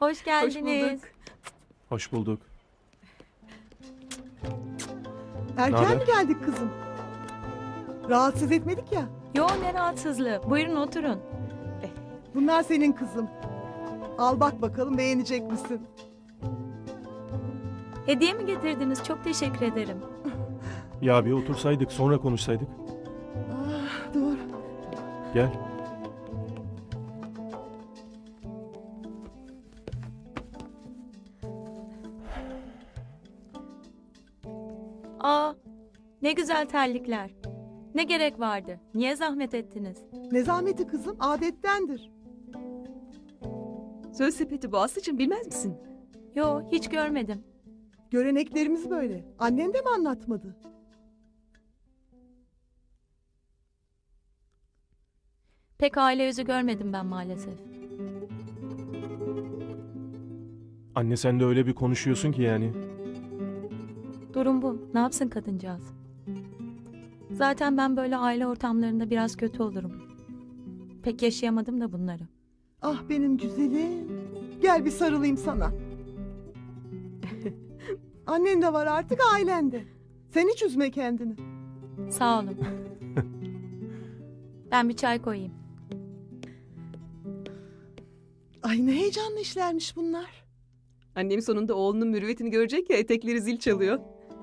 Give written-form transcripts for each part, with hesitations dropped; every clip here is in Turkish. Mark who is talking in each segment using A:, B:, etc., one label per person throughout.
A: Hoş geldiniz.
B: bulduk.
C: Hoş bulduk.
D: Erken
C: Naber?
D: mi geldik kızım? Rahatsız etmedik ya.
A: Yo, ne rahatsızlığı. Buyurun oturun.
D: Bunlar senin kızım. Al bak bakalım beğenecek misin?
A: Hediye mi getirdiniz? Çok teşekkür ederim.
C: Ya bir otursaydık sonra konuşsaydık.
D: Ah, dur.
C: Gel.
A: Aa, ne güzel terlikler. Ne gerek vardı? Niye zahmet ettiniz?
D: Ne zahmeti kızım, adettendir.
B: Söz sepeti bu Aslı'cığım, bilmez misin?
A: Yo, hiç görmedim.
D: Göreneklerimiz böyle. Annen de mi anlatmadı?
A: Pek aile yüzü görmedim ben maalesef.
C: Anne sen de öyle bir konuşuyorsun ki yani.
A: Durum bu. Ne yapsın kadıncağız? Zaten ben böyle aile ortamlarında biraz kötü olurum. Pek yaşayamadım da bunları.
D: Ah benim güzelim. Gel bir sarılayım sana. Annen de var artık ailende. Sen hiç üzme kendini.
A: Sağ olun. Ben bir çay koyayım.
D: Ay ne heyecanlı işlermiş bunlar.
B: Annem sonunda oğlunun mürüvvetini görecek ya, etekleri zil çalıyor.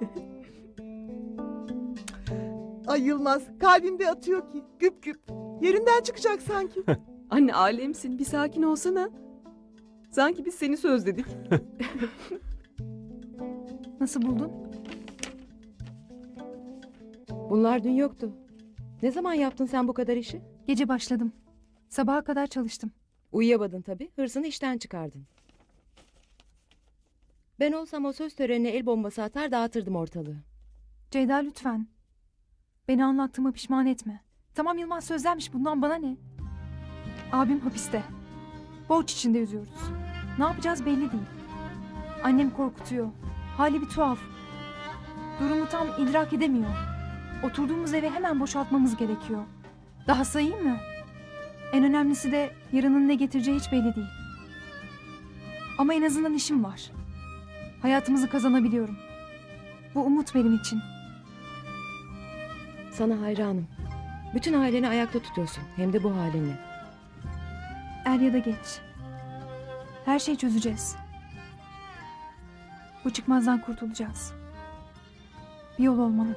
D: Ay Yılmaz kalbimde atıyor ki güp güp. Yerinden çıkacak sanki.
B: Anne alemsin, bir sakin olsana. Sanki biz seni sözledik.
E: Nasıl buldun?
F: Bunlar dün yoktu. Ne zaman yaptın sen bu kadar işi?
E: Gece başladım. Sabaha kadar çalıştım.
F: Uyuyamadın tabii. Hırsını işten çıkardın. Ben olsam o söz törenine el bombası atar dağıtırdım ortalığı.
E: Ceyda lütfen. Beni anlattığıma pişman etme. Tamam Yılmaz sözlenmiş, bundan bana ne? Abim hapiste. Borç içinde yüzüyoruz. Ne yapacağız belli değil. Annem korkutuyor. Hali bir tuhaf. Durumu tam idrak edemiyor. Oturduğumuz evi hemen boşaltmamız gerekiyor. Daha sayayım mı? En önemlisi de yarının ne getireceği hiç belli değil. Ama en azından işim var. Hayatımızı kazanabiliyorum. Bu umut benim için.
F: Sana hayranım. Bütün aileni ayakta tutuyorsun. Hem de bu halinle.
E: Er ya da geç. Her şeyi çözeceğiz. Bu çıkmazdan kurtulacağız. Bir yol olmalı.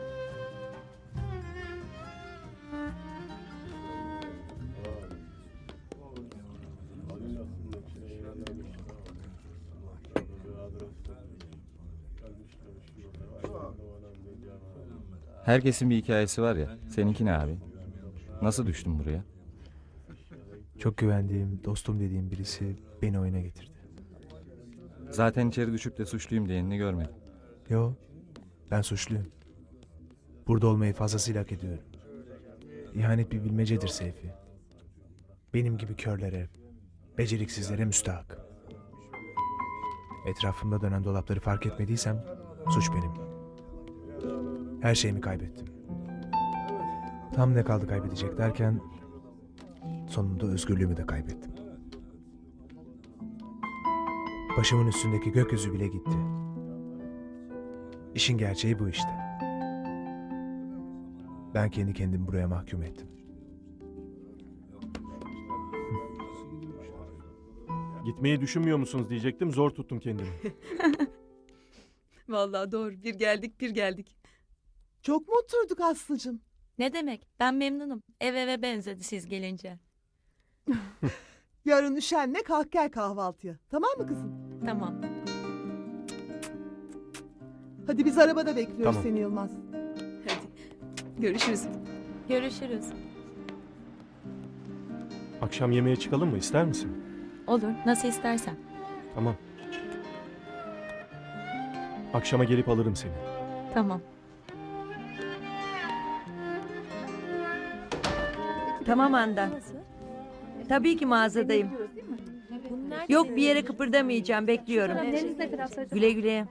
G: Herkesin bir hikayesi var ya. Seninki ne abi? Nasıl düştün buraya?
H: Çok güvendiğim, dostum dediğim birisi beni oyuna getirdi.
G: Zaten içeri düşüp de suçluyum diyenini görmedim.
H: Yo, ben suçluyum. Burada olmayı fazlasıyla hak ediyorum. İhanet bir bilmecedir Seyfi. Benim gibi körlere, beceriksizlere müstahak. Etrafımda dönen dolapları fark etmediysem suç benim. Her şeyimi kaybettim. Tam ne kaldı kaybedecek derken sonunda özgürlüğümü de kaybettim. Başımın üstündeki gökyüzü bile gitti. İşin gerçeği bu işte. Ben kendi kendimi buraya mahkum ettim.
C: Gitmeyi düşünmüyor musunuz diyecektim. Zor tuttum kendimi.
B: Vallahi doğru, bir geldik bir geldik.
D: Çok mu oturduk Aslı'cığım?
A: Ne demek? Ben memnunum. Eve benzedi siz gelince.
D: Yarın üşenme kalk gel kahvaltıya. Tamam mı kızım?
A: Tamam.
D: Hadi biz arabada bekliyoruz
C: Tamam.
D: seni Yılmaz.
B: Hadi görüşürüz.
A: Görüşürüz.
C: Akşam yemeğe çıkalım mı? İster misin?
A: Olur. Nasıl istersen.
C: Tamam. Akşama gelip alırım seni.
A: Tamam.
I: Tamam Handan. Tabii ki mağazadayım. Yok bir yere kıpırdamayacağım, bekliyorum. Güle güle.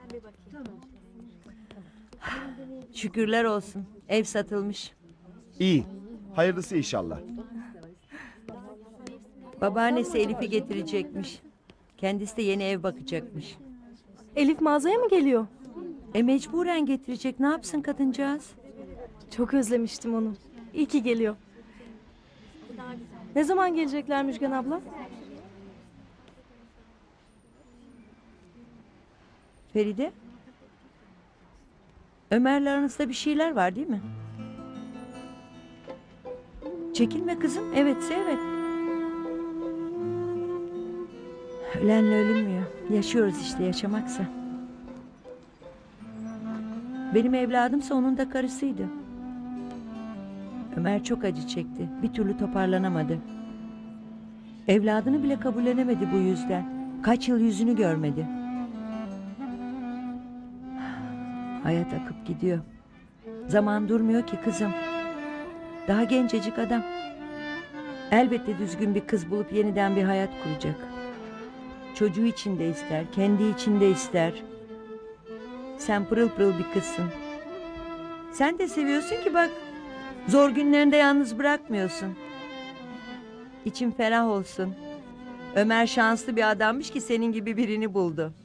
I: Şükürler olsun. Ev satılmış.
J: İyi. Hayırlısı inşallah.
I: Babaannesi Elif'i getirecekmiş. Kendisi de yeni ev bakacakmış.
B: Elif mağazaya mı geliyor?
I: Mecburen getirecek. Ne yapsın kadıncağız?
B: Çok özlemiştim onu. İyi ki geliyor. Ne zaman gelecekler Müjgan abla?
I: Feride? Ömer'le aranızda bir şeyler var değil mi? Çekinme kızım. Evetse evet. Ölenle ölünmüyor. Yaşıyoruz işte, yaşamaksa. Benim evladımsa onun da karısıydı. Ömer çok acı çekti. Bir türlü toparlanamadı. Evladını bile kabullenemedi bu yüzden. Kaç yıl yüzünü görmedi. Hayat akıp gidiyor. Zaman durmuyor ki kızım. Daha gencecik adam. Elbette düzgün bir kız bulup yeniden bir hayat kuracak. Çocuğu için de ister, kendi için de ister. Sen pırıl pırıl bir kızsın. Sen de seviyorsun ki bak. Zor günlerinde yalnız bırakmıyorsun. İçin ferah olsun. Ömer şanslı bir adammış ki senin gibi birini buldu.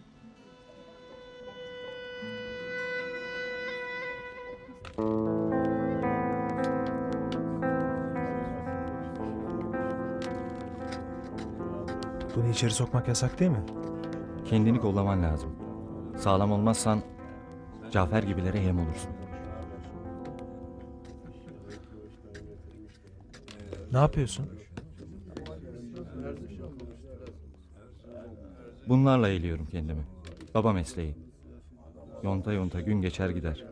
H: Bunu içeri sokmak yasak değil mi?
G: Kendini kollaman lazım. Sağlam olmazsan Cafer gibilere yem olursun.
H: Ne yapıyorsun?
G: Bunlarla eğiliyorum kendimi. Baba mesleği. Yonta yonta gün geçer gider.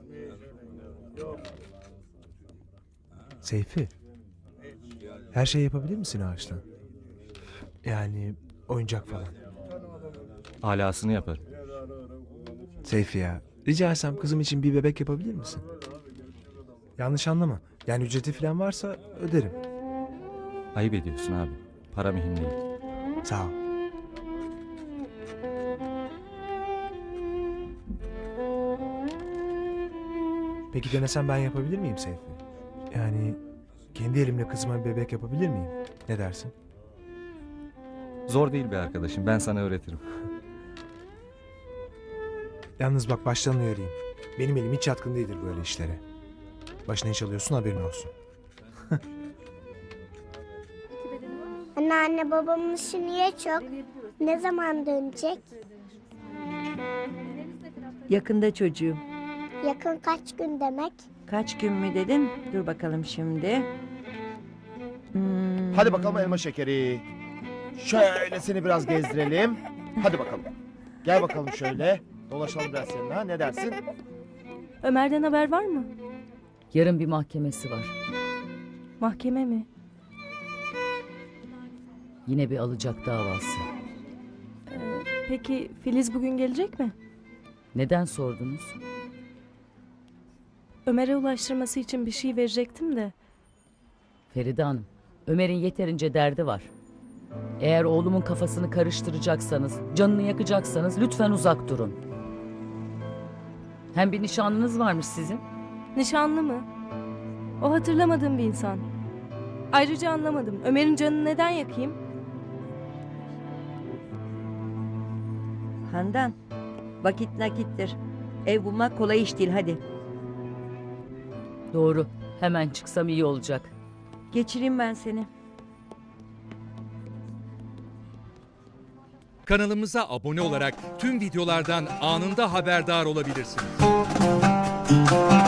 H: Seyfi. Her şeyi yapabilir misin ağaçtan? Yani oyuncak falan.
G: Alasını yaparım.
H: Seyfi ya. Rica etsem kızım için bir bebek yapabilir misin? Yanlış anlama. Yani ücreti falan varsa öderim.
G: Ayıp ediyorsun abi. Para mühim değil.
H: Sağ ol. Peki denesem ben yapabilir miyim Seyfi? Yani kendi elimle kızıma bir bebek yapabilir miyim? Ne dersin?
G: Zor değil be arkadaşım. Ben sana öğretirim.
H: Yalnız bak baştan uyarayım. Benim elim hiç yatkın değildir böyle işlere. Başına iş alıyorsun, haberin olsun.
K: Anneanne, babamın işi niye çok? Ne zaman dönecek?
I: Yakında çocuğum.
K: Yakın kaç gün demek?
I: Kaç gün mü dedin? Dur bakalım şimdi.
J: Hadi bakalım elma şekeri. Şöyle seni biraz gezdirelim. Hadi bakalım. Gel bakalım şöyle. Dolaşalım biraz seninle, ha? Ne dersin?
B: Ömer'den haber var mı?
L: Yarın bir mahkemesi var.
B: Mahkeme mi?
L: Yine bir alacak davası.
B: Peki Filiz bugün gelecek mi?
L: Neden sordunuz?
B: Ömer'e ulaştırması için bir şey verecektim de.
L: Feride Hanım, Ömer'in yeterince derdi var. Eğer oğlumun kafasını karıştıracaksanız, canını yakacaksanız lütfen uzak durun. Hem bir nişanlınız varmış sizin.
B: Nişanlı mı? O hatırlamadığım bir insan. Ayrıca anlamadım. Ömer'in canını neden yakayım?
I: Handan, vakit nakittir. Ev bulmak kolay iş değil, hadi.
L: Doğru, hemen çıksam iyi olacak.
I: Geçireyim ben seni.
M: Kanalımıza abone olarak tüm videolardan anında haberdar olabilirsiniz.